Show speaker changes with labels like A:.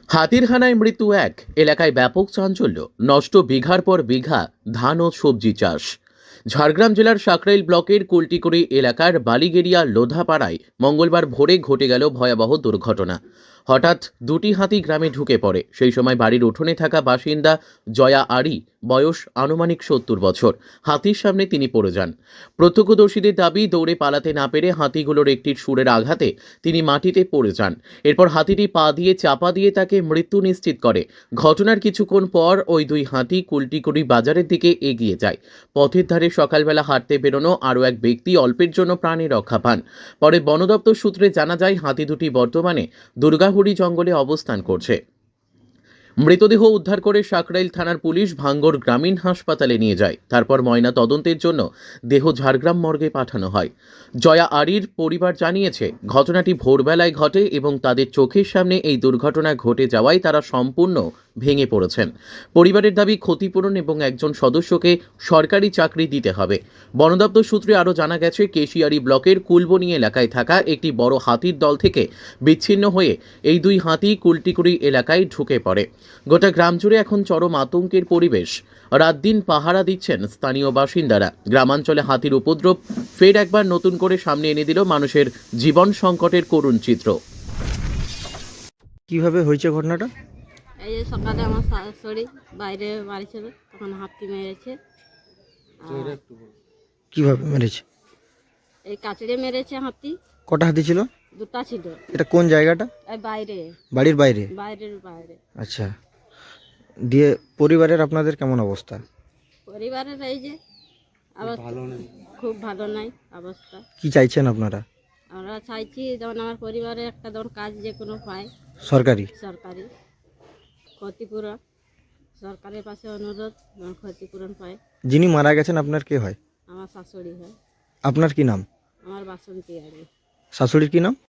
A: হাতির হানায় মৃত্যু এক, এলাকায় ব্যাপক চাঞ্চল্য, নষ্ট বিঘার পর বিঘা ধান ও সবজি চাষ। ঝাড়গ্রাম জেলার সাকরাইল ব্লকের কুলটিকুড়ি এলাকার বালিগেরিয়া লোধাপাড়ায় মঙ্গলবার ভোরে ঘটে গেল ভয়াবহ দুর্ঘটনা। হঠাৎ দুটি হাতি গ্রামে ঢুকে পড়ে। সেই সময় বাড়ির উঠোনে থাকা বাসিন্দা জয়া আরি, বয়স আনুমানিক ৭০ বছর, হাতির সামনে তিনি পড়ে যান। প্রত্যক্ষদর্শীদের দাবি, দৌড়ে পালাতে না পেরে হাতিগুলোর একটির সুরের আঘাতে তিনি মাটিতে পড়ে যান। এরপর হাতিটি পা দিয়ে চাপা দিয়ে তাকে মৃত্যু নিশ্চিত করে। ঘটনার কিছুক্ষণ পর ওই দুই হাতি কুলটিকুড়ি বাজারের দিকে এগিয়ে যায়। পথের ধারে সকালবেলা হাঁটতে বেরোনো আরও এক ব্যক্তি অল্পের জন্য প্রাণে রক্ষা পান। পরে বন দপ্তর সূত্রে জানা যায়, হাতি দুটি বর্তমানে দুর্গাহুড়ি জঙ্গলে অবস্থান করছে। মৃতদেহ উদ্ধার করে সাকরাইল থানার পুলিশ ভাঙ্গর গ্রামীণ হাসপাতালে নিয়ে যায়। তারপর ময়না তদন্তের জন্য দেহ ঝাড়গ্রাম মর্গে পাঠানো হয়। জয়া আরির পরিবার জানিয়েছে, ঘটনাটি ভোরবেলায় ঘটে এবং তাদের চোখের সামনে এই দুর্ঘটনা ঘটে যাওয়ায় তারা সম্পূর্ণ ভেঙে পড়েছেন। পরিবারের দাবি, ক্ষতিপূরণ এবং একজন সদস্যকে সরকারি চাকরি দিতে হবে। বন দপ্তর সূত্রে আরও জানা গেছে, কেশিয়ারি ব্লকের কুলবনি এলাকায় থাকা একটি বড় হাতির দল থেকে বিচ্ছিন্ন হয়ে এই দুই হাতি কুলটিকুড়ি এলাকায় ঢুকে পড়ে। গোটা গ্রাম জুড়ে এখন চরম আতঙ্কের পরিবেশ। রাত দিন পাহারা দিচ্ছেন স্থানীয় বাসিন্দারা। গ্রামাঞ্চলে হাতির উপদ্রব ফের একবার নতুন করে সামনে এনে দিল মানুষের জীবন সংকটের করুণ চিত্র।
B: কিভাবে হয়েছে ঘটনাটা?
C: এই যে সকালে আমার শাশুড়ি বাইরে বাড়ি ছিল, তখন হাতি মেরেছে।
B: কিভাবে মেরেছে?
C: এই কাচড়ে মেরেছে হাতি।
B: কটা হাতি ছিল?
C: দুটা ছিল।
B: এটা কোন জায়গাটা?
C: এই বাইরে,
B: বাড়ির বাইরে?
C: বাইরের বাইরে।
B: আচ্ছা, দিয়ে পরিবারের আপনাদের কেমন অবস্থা?
C: পরিবারের এই যে অবস্থা খুব ভালো নাই অবস্থা।
B: কি চাইছেন আপনারা?
C: আমরা চাইছি যেমন আমার পরিবারে একটা যেমন কাজ যে কোনো পায়,
B: সরকারি
C: সরকারি ক্ষতিপূরণ। সরকারের পাশে অনুরোধ যেমন ক্ষতিপূরণ পায়।
B: যিনি মারা গেছেন আপনার কে হয়?
C: আমার শাশুড়ি হয়।
B: আপনার কি নাম?
C: আমার বাসন্তী আরে।
B: শাশুড়ির কি নাম?